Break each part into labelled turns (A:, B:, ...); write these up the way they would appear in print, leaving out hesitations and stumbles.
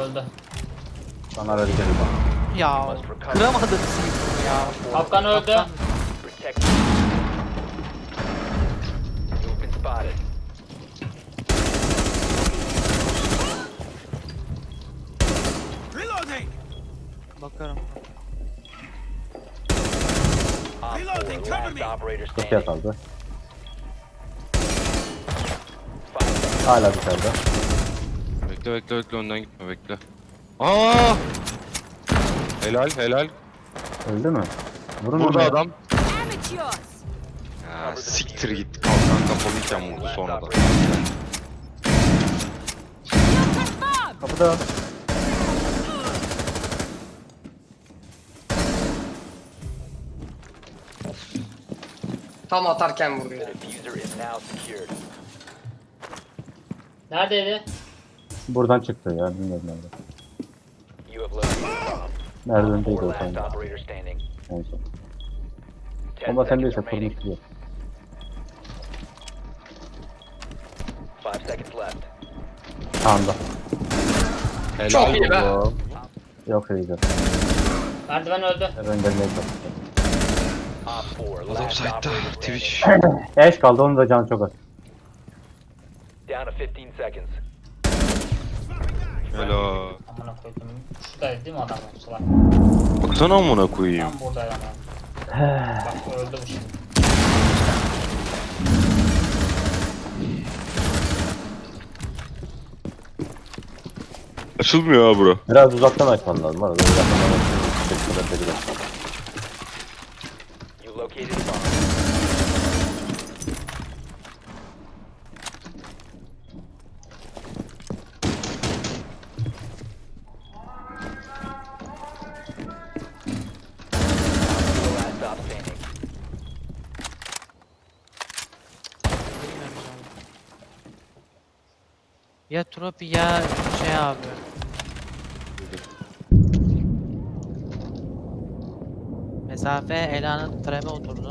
A: Öldü.
B: Bana ver gidelim bak.
C: Ya kıramadım seni ya.
A: Kapkan öldü.
D: Protect. You've been spotted.
C: Bakarım.
D: Op 4, last operator
B: Çok
D: standing.
B: kaldı.
D: 5 seconds.
B: Hala dışarıda.
E: Bekle önden gitme bekle. Aa! Helal.
B: Öldü mü? Vurun
E: Burada
B: onu ya.
E: adam.
F: Amateurs.
E: Ha, siktir git. Kalkan kapalıyken vurdu
D: Last
E: sonradan.
D: operator standing.
F: Confirmed.
B: Kapıda.
G: Tam atarken vurdu
D: The
G: ya.
D: diffuser is now secured.
A: Neredeydi?
B: Buradan çıktı ya. Bilmiyorum nerede.
D: You have located a bomb.
B: Merdivendeydi
D: 4
B: o
D: last
B: sende.
D: operator standing.
B: En son.
D: 10
B: Ama sen
D: seconds
B: değilse
D: remaining.
B: kurmuş diyor.
D: 5 seconds left.
B: Sağında.
E: Helal.
G: Çok iyi be.
B: Oğlum. Yok iyice.
A: Merdiven öldü.
B: Ben gelmeye çalıştım.
D: Op 4,
E: Adam
D: last
E: site'da.
D: operator standing.
E: Twitch.
B: Eş kaldı, onun da canı çok az.
D: Down to 15 seconds.
E: Helal.
A: Amına koydum. Şuradaydı değil mi adam yoksa bak.
E: Baksana amına koyayım.
A: Tam buradaydı ama. Bak öldü bu şimdi.
E: Açılmıyor ha bura.
B: Biraz uzaktan açman lazım. Var. Uzaktan açman.
D: You located a bomb. Last stop standing.
C: Bilmiyorum abi. Ya Tropi ya şey abi. Mesafe Ela'nın treme oturdu.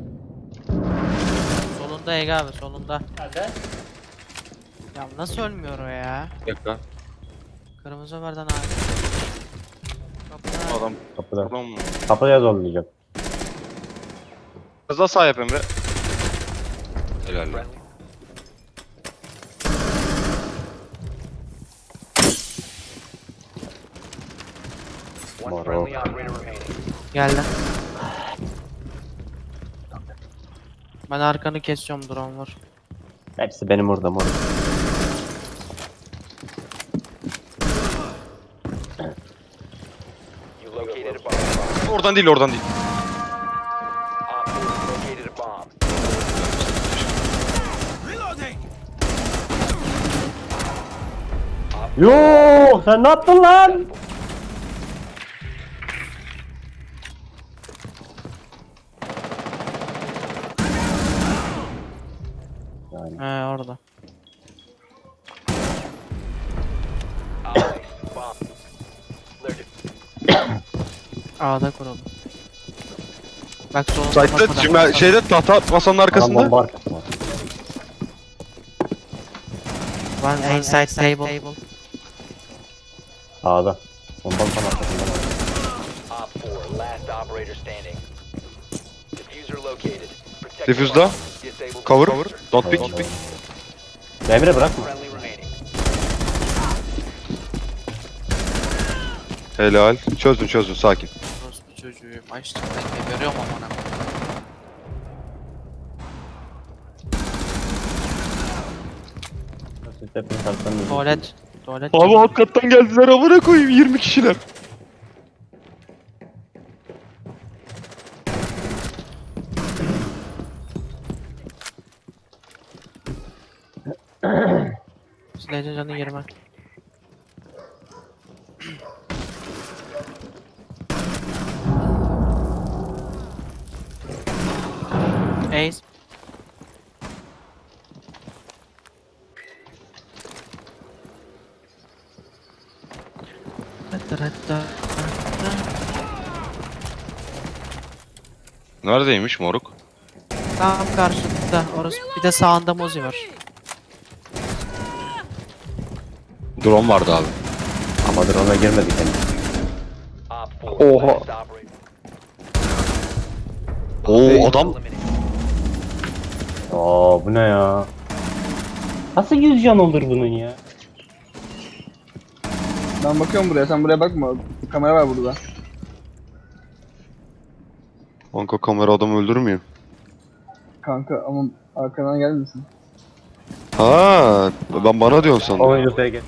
C: Solunda Ege abi solunda.
A: Nerede?
C: Ya nasıl ölmüyor o ya?
E: Bir dakika.
C: Kırmızı verden abi. Kapıda.
E: Adam
B: Kapıda.
E: buradan mı?
B: Kapıya zorlayacak.
E: Biraz daha sağ yap Emre. Helal lan.
D: One
B: Moro.
D: friendly operator remaining.
C: Geldi. Ben arkanı kesiyorum, drone var.
B: Hepsi benim orada mor.
D: You located a bomb.
E: Oradan değil.
D: Op 4 located a bomb.
B: Yoo, sen ne yaptın lan? Yani
C: He orada.
D: Bomb. They're
C: A'da kuralım. Bak solunda
E: Site'da
C: kapıda.
E: şimdi şeyde tahta masanın
B: adam
E: arkasında.
B: bomba arkasında.
C: One inside table.
B: Sağda. Bombanın tam arkasında.
D: Op 4, last operator standing. Diffuser located. Protect the
E: Diffuse'da.
D: bomb. Disable
E: Cover.
D: diffuser.
E: Don't pick.
B: Tamam. Emre bırakma.
D: Friendly remaining.
E: Helal. Çözdün sakin.
C: Orospu çocuğu. Açtım ben geberiyorum amına.
B: Siz hepiniz arkadan
C: Tuvalet. Tuvalet.
E: Abi alt kattan geldiler amına koyayım 20 kişiler.
C: Silahın canı 20. Ace.
E: Neredeymiş moruk?
C: Tam karşında orası. Bir de sağında Mozi var.
E: Drone vardı abi.
B: Ama drone'a girmedik henüz.
D: Op 4
E: Oha.
D: last operator.
E: Oo adam
D: Eliminated.
B: Aa bu ne ya? Nasıl 100 can olur bunun ya?
G: Ben bakıyorum buraya, sen buraya bakma. Kamera var burada.
E: kanka kamera adamı öldürmüyor.
G: Kanka ama arkadan gelmesin.
E: Ha, ben bana diyorsun sandım.
B: Oyuncu SG.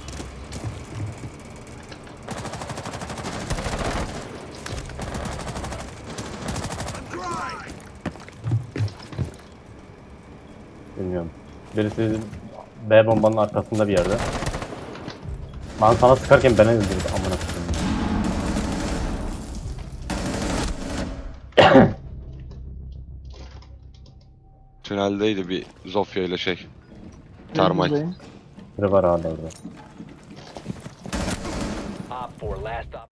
B: Bilmiyorum. Birisi B bombanın arkasında bir yerde. Ben sana sıkarken beni öldürdü amına koyayım.
E: Tüneldeydi bir Zofia ile şey. Termal.
G: Buradayım.
B: Biri var hala orada.
D: Op 4 last op.